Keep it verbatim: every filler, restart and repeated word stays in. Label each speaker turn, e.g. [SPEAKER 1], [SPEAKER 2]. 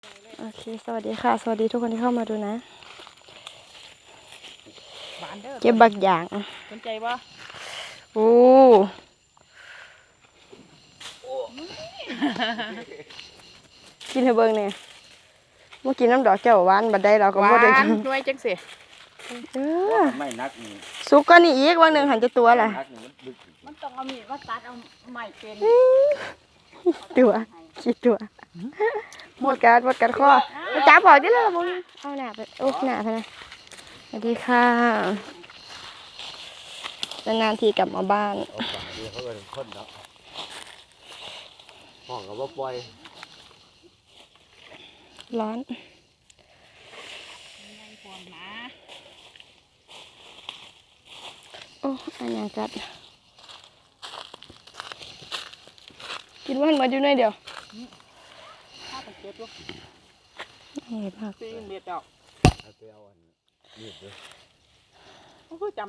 [SPEAKER 1] โอเคสวัสดีค่ะสวัสดีทุกคนที่เข้ามาดูนะเก็บบักอย่าง
[SPEAKER 2] สนใจปะ
[SPEAKER 1] โอ้กินให้เบิ่งเนี่ยเมื่อกี้น้ำดอกแก้วหวานบัดได้เราก็บ่ได้กิน
[SPEAKER 2] หน่วยจังสิ
[SPEAKER 1] เออ
[SPEAKER 3] ไม่นักนี่
[SPEAKER 1] สุกก็นี่อีกวันหนึ่งหันจะตัวล่ะ
[SPEAKER 3] นักนี่มันดึก
[SPEAKER 2] มันต้องเอามีดมาตัดเอาไม้เป็น
[SPEAKER 1] ตัวคิดตัวหมดการหมดการข้อจ้าบอกได้เลยมึงเอาหน้าไปโอ้หน้าไปนะสวัสดีค่ะนานๆทีกลับมาบ้าน
[SPEAKER 3] เอาปากเดียวเขาเป็นคนเนาะห้องกับว่าปล่อย
[SPEAKER 1] ร้อนโอ้อันยังกัดกินว่ามันมาอยู่ในเดียว
[SPEAKER 2] ถ้าเป็นเจ็บลูก
[SPEAKER 1] เฮ้ยพัก
[SPEAKER 2] ตีนเม็ดดอก
[SPEAKER 3] เอาไปเอาอันนี้เลย
[SPEAKER 2] ก็คือจ